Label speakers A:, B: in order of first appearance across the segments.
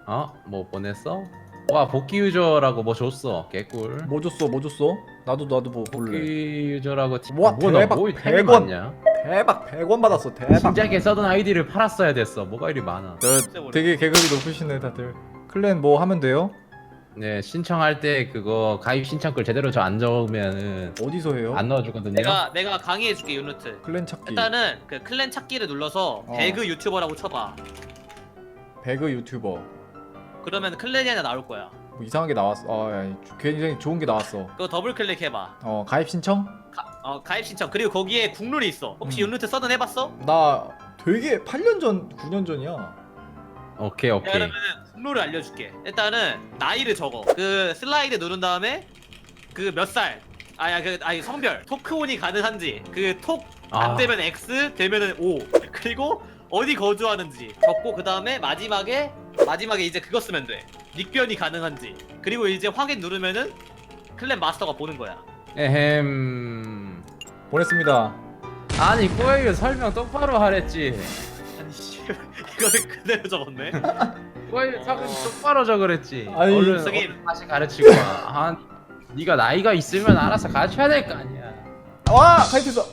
A: 뭐 보냈어? 와 복귀 유저라고 뭐 줬어. 개꿀.
B: 뭐 줬어? 뭐 줬어? 나도 뭐
A: 복귀
B: 볼래.
A: 유저라고
B: 우와, 대박,
A: 뭐 템이
B: 100원.
A: 많냐?
B: 대박 100원 받았어. 대박.
A: 진작에 써던 아이디를 팔았어야 됐어. 뭐가 이리 많아.
B: 되게 계급이 높으시네 다들. 클랜 뭐 하면 돼요?
A: 네 신청할 때 그거 가입 신청글 제대로 저 안 적으면은
B: 어디서 해요?
A: 안 넣어주거든요.
C: 내가 강의해줄게 유니트.
B: 클랜 찾기.
C: 일단은 그 클랜 찾기를 눌러서 배그 유튜버라고 쳐봐.
B: 배그 유튜버.
C: 그러면 클랜이 하나 나올 거야.
B: 뭐 이상한 게 나왔어. 야, 굉장히 좋은 게 나왔어.
C: 그거 더블 클릭해봐.
B: 가입 신청?
C: 가입 신청. 그리고 거기에 국룰이 있어. 혹시 유니트 서든 해봤어?
B: 나 되게 8년 전, 9년 전이야.
A: 오케이.
C: 그러면은 국룰을 알려줄게. 일단은 나이를 적어. 그 슬라이드 누른 다음에 그 몇 살. 아니 성별. 토크온이 가능한지. 그 톡 안 되면 X 되면은 O. 그리고 어디 거주하는지 적고 그 다음에 마지막에 이제 그거 쓰면 돼. 닉변이 가능한지. 그리고 이제 확인 누르면은 클랜 마스터가 보는 거야.
A: 에헴.
B: 보냈습니다.
A: 아니 꼬에유 설명 똑바로 하랬지.
C: 아니 씨 이거를 그대로 적었네.
A: 꼬에유 설명 똑바로 적으랬지.
B: 아니,
A: 얼른 다시 가르치고 와. 네가 나이가 있으면 알아서 가르쳐야 될 거 아니야.
B: 와! 가입했어!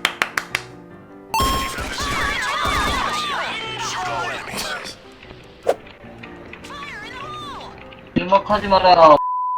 D: 일먹하지 말아요.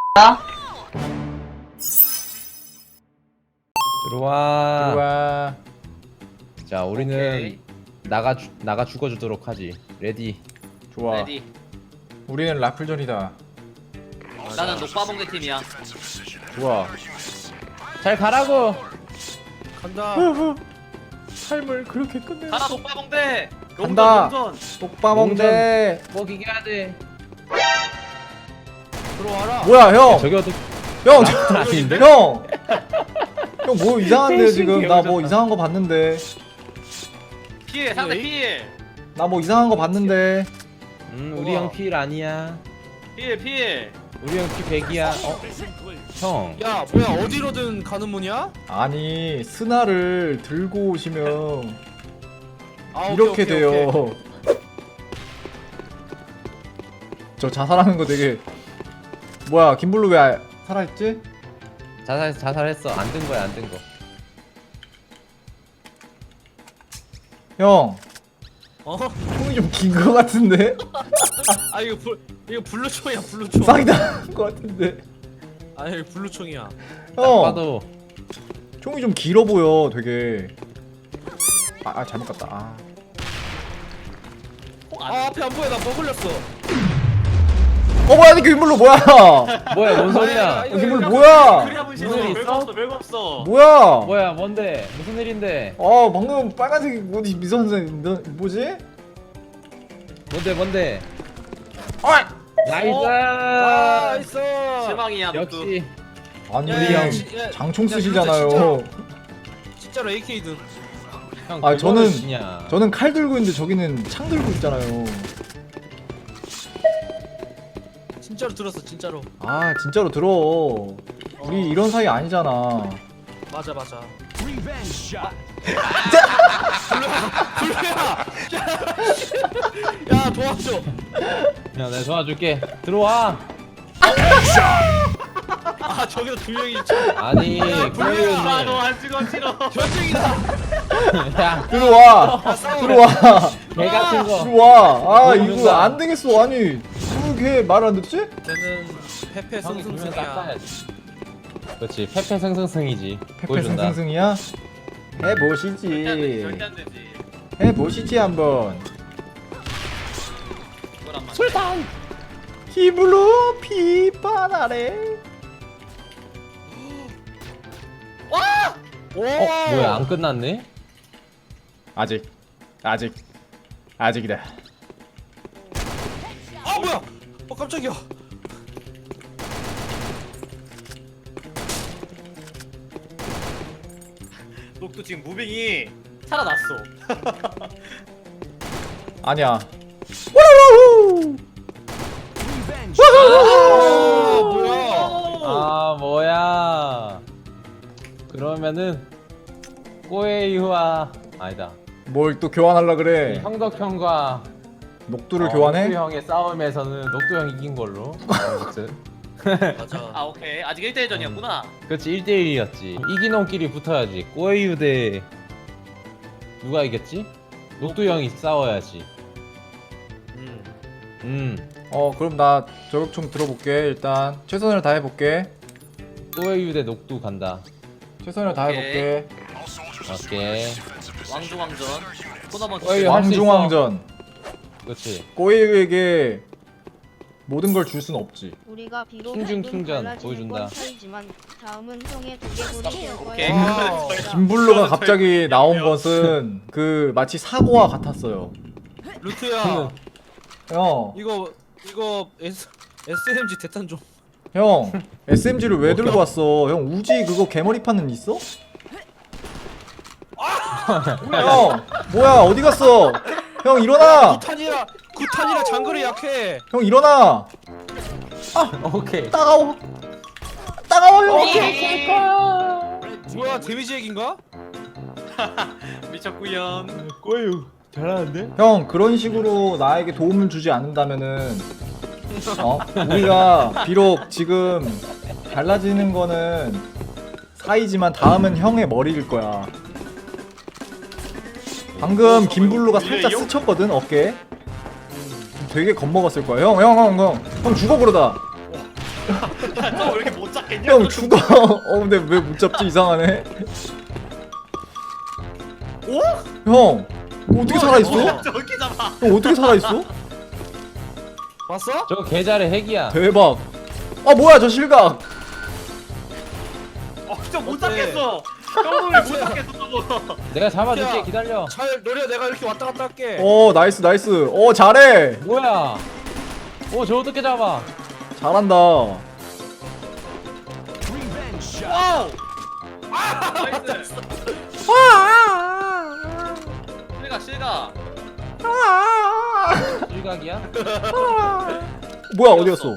A: 들어와.
B: 들어와.
A: 자 우리는
C: 오케이.
A: 나가 죽어주도록 하지. 레디.
B: 좋아.
C: 레디.
B: 우리는 라플전이다.
C: 나는 녹바봉대 팀이야.
B: 좋아.
A: 잘 가라고.
E: 간다.
B: 삶을 그렇게 끝내.
C: 가라 녹바봉대.
B: 간다.
C: 용전.
B: 똑바몽대.
A: 꼭 이겨야 돼.
E: 들어와라.
B: 뭐야, 형!
A: 저기도
B: 형!
A: 아닌데?
B: 형! 형 뭐 이상한데
A: 패싱
B: 지금? 나 뭐
A: 개오졌다.
B: 이상한 거 봤는데.
C: 피해 상대 피해.
B: 나 뭐 이상한 거 봤는데.
A: 우리 형 필 아니야.
C: 피해.
A: 우리 형 피 100이야. 형.
E: 야 뭐야 어디로든 가는 문이야?
B: 아니, 스나를 들고 오시면
E: 아,
B: 이렇게
E: 오케이,
B: 돼요.
E: 오케이.
B: 저 자살하는 거 되게. 뭐야, 김블루 왜 살아있지?
A: 자살했어. 안 든 거야, 안 든 거.
B: 형,
E: 어?
B: 형이 좀 긴 거 같은데?
E: 아 이거 블루총이야 블루총.
B: 사기당한 거 같은데?
E: 아니 이거 블루총이야.
B: 형,
A: 봐도
B: 총이 좀 길어 보여, 되게. 잘못 갔다.
E: 아 앞에 안 보여 나 먹을렸어.
B: 뭐야, 이 김블루 뭐야?
A: 뭐야, 뭔 소리야?
E: 이거
B: 김블루 뭐야?
C: 그래야
A: 무슨
C: 무슨
A: 일
C: 별거
A: 있어?
C: 없어 별거 없어.
B: 뭐야?
A: 뭐야, 뭔데? 무슨 일인데?
B: 방금 빨간색 뭐지, 미선생 뭐지?
A: 뭔데? 나이스!
E: 아 있어.
C: 실망이야
A: 역시
B: 아니,
E: 야,
A: 우리 형.
B: 장총
E: 야,
B: 쓰시잖아요.
E: 진짜로 AK든.
A: 형,
B: 아,
A: 그거는
B: 저는-
A: 그냥
B: 저는 칼 들고 있는데 저기는 창 들고 있잖아요.
E: 진짜로 들었어 진짜로.
B: 진짜로 들어. 우리 이런 사이 아니잖아.
E: 맞아. 야 도와줘.
A: 야, 내가 도와줄게. 들어와.
E: 아 저기도 두 명이 있죠.
A: 아니,
C: 불러야
A: 꼬에유는
C: 너안 찍어 싫어.
E: 전쟁이다.
A: 야,
B: 들어와. 들어와.
A: 개 같은 거.
B: 들어와. 이거
A: 모른다.
B: 안 되겠어. 아니, 그게 말 안 듣지?
E: 쟤는 페페
A: 형이 두명
E: 승승승이야.
A: 닦아야지. 그렇지, 패패승승승이지. 보여준다.
B: 페페승승승이야?
C: 절대 안 되지
B: 해보시지.
C: 절대 안 되지.
B: 해보시지 한번.
C: 그걸 안 맞네.
A: 술탄.
B: 힘으로 피바나래.
E: 오.
A: 뭐야, 안 끝났네?
B: 아직이다.
E: 아 뭐야? 깜짝이야.
C: 녹도 지금 무빙이 살아났어.
B: 아니야.
E: 아 뭐야?
A: 뭐야. 그러면은 꼬에유와 아니다.
B: 뭘 또 교환하려 그래?
A: 형덕형과
B: 녹두를 교환해?
A: 녹두 형의 싸움에서는 녹두 형이 이긴 걸로. 아무튼.
E: 맞아.
C: 아 오케이 아직 1대1전이었구나.
A: 그렇지 1대1이었지. 이긴 놈끼리 붙어야지. 꼬에유 대 누가 이겼지? 녹두 형이 싸워야지.
B: 그럼 나 저격총 들어볼게. 일단 최선을 다해볼게.
A: 꼬에유 대 녹두 간다.
B: 최선을
C: 오케이.
B: 다해볼게.
A: 오케이.
C: 왕중왕전. 토너먼트.
A: 어이, 할수 있어.
B: 왕중왕전.
A: 그렇지.
B: 꼬이유에게 모든 걸 줄 순 없지.
F: 우리가 비록
A: 충중
F: 조금
A: 충전
F: 달라지는
A: 보여준다.
F: 건 차이지만 다음은 형의 두개골이 될
C: 오케이.
F: 거야.
E: 와.
B: 김블루가 갑자기 나온 것은 그 마치 사고와 같았어요.
E: 루트야.
B: 형,
E: 이거 SMG 대탄 좀.
B: 형, SMG를 왜 들고 왔어? 형 우지 그거 개머리판은 있어? 형, 뭐야 어디 갔어? 형 일어나!
E: 구탄이라 장거리 약해.
B: 형 일어나!
A: 오케이.
B: 따가워! 따가워 형!
E: 뭐야 데미지 핵인가?
C: 미쳤구연.
A: 꼬에유 잘하는데?
B: 형 그런 식으로 나에게 도움을 주지 않는다면은 우리가 비록 지금 달라지는 거는 사이지만 다음은 형의 머리일 거야. 방금 김블루가 살짝 스쳤거든 어깨. 되게 겁먹었을 거야. 형 죽어 그러다.
C: 너왜 이렇게 못 잡겠냐?
B: 형 죽어. 근데 왜 못 잡지 이상하네. 형 어떻게 살아 있어?
C: 저렇게 잡아.
B: 형 어떻게 살아 있어?
E: 봤어?
A: 저거 개잘의 핵이야.
B: 대박. 뭐야 저 실각.
C: 진짜 못 잡겠어. 형을 못 잡겠어 저거.
A: 내가 잡아줄게.
E: 야.
A: 기다려.
E: 잘 노려 내가 이렇게 왔다 갔다 할게.
B: 나이스. 잘해.
A: 뭐야? 저 어떻게 잡아?
B: 잘한다.
C: 와우. 나이스. 실각.
A: 일각이야?
B: 뭐야 어디 갔어?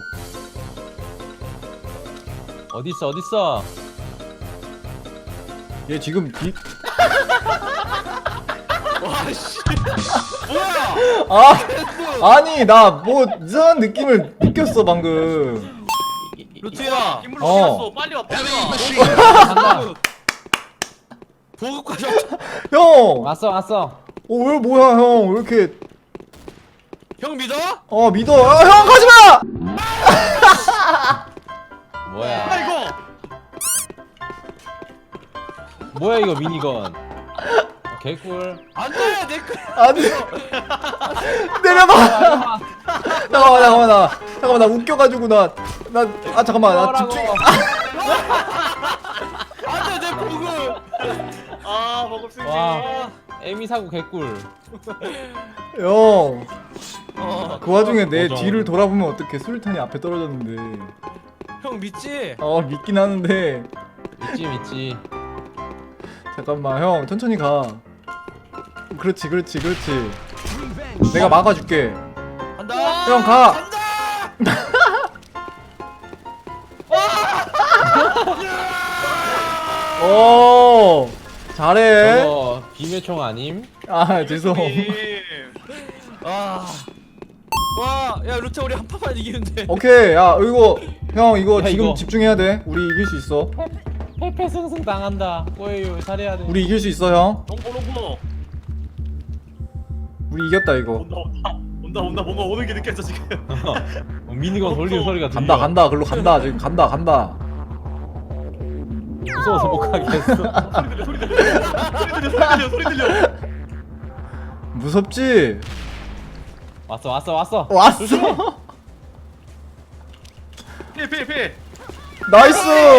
A: 어딨어?
B: 얘 지금
E: 와씨. 뭐야?
B: 아니 나 뭐 이상한 느낌을 느꼈어 방금.
E: 루트야.
C: 김물로
B: 어.
C: 뛰었어. 빨리 와.
A: 간다.
E: 보급 과정.
B: 형.
A: 왔어.
B: 왜 뭐야 형 왜 이렇게
E: 형 믿어?
B: 믿어. 형 가지마.
A: 뭐야?
C: 아이고.
A: 뭐야 이거 미니건? 개꿀.
E: 안돼 내 거.
B: 아니 내려봐. 잠깐만 나 웃겨가지고 잠깐만 나 집중.
E: 안돼 내 보급.
C: 먹을 수 있지.
A: 와. 에미 사고 개꿀.
B: 형. 그 와중에 내
A: 맞아.
B: 뒤를 돌아보면 어떡해. 수류탄이 앞에 떨어졌는데.
E: 형 믿지?
B: 믿긴 하는데.
A: 믿지.
B: 잠깐만 형 천천히 가. 그렇지. 내가 막아줄게.
E: 간다.
B: 형 가. 오 잘해.
A: 저거 비매총 아님?
B: 죄송.
E: 와, 야 루트 우리 한 판만 이기는데.
B: 오케이 이거 형 이거
A: 야,
B: 지금
A: 이거.
B: 집중해야 돼. 우리 이길 수 있어.
A: 패패승승 당한다. 꼬에유 잘해야 돼.
B: 우리 이길 수 있어 형.
C: 롱고.
B: 우리 이겼다 이거.
C: 온다. 뭔가 오는 게 느껴져 지금.
A: 미니건 돌리는 소리가 들려.
B: 간다. 글로 간다. 지금 간다.
A: 무서워서 못 가겠어.
C: 소리 들려.
B: 무섭지?
A: 왔어.
B: 왔어.
C: 필.
B: 나이스.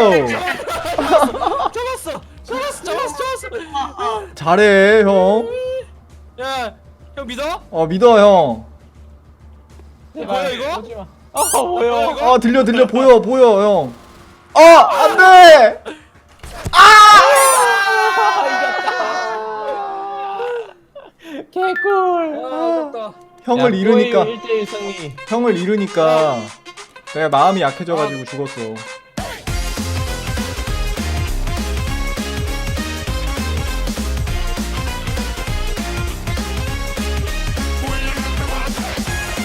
E: 잡았어.
B: 잘해 형.
E: 야, 형 믿어?
B: 믿어 형.
E: 뭐야 이거?
A: 오지 마. 뭐야?
B: 들려 보여 형. 안돼.
A: 개꿀.
E: 됐다.
B: 형을 잃으니까
A: 1대1 승리.
B: 형을 잃으니까 내가 마음이 약해져가지고 죽었어.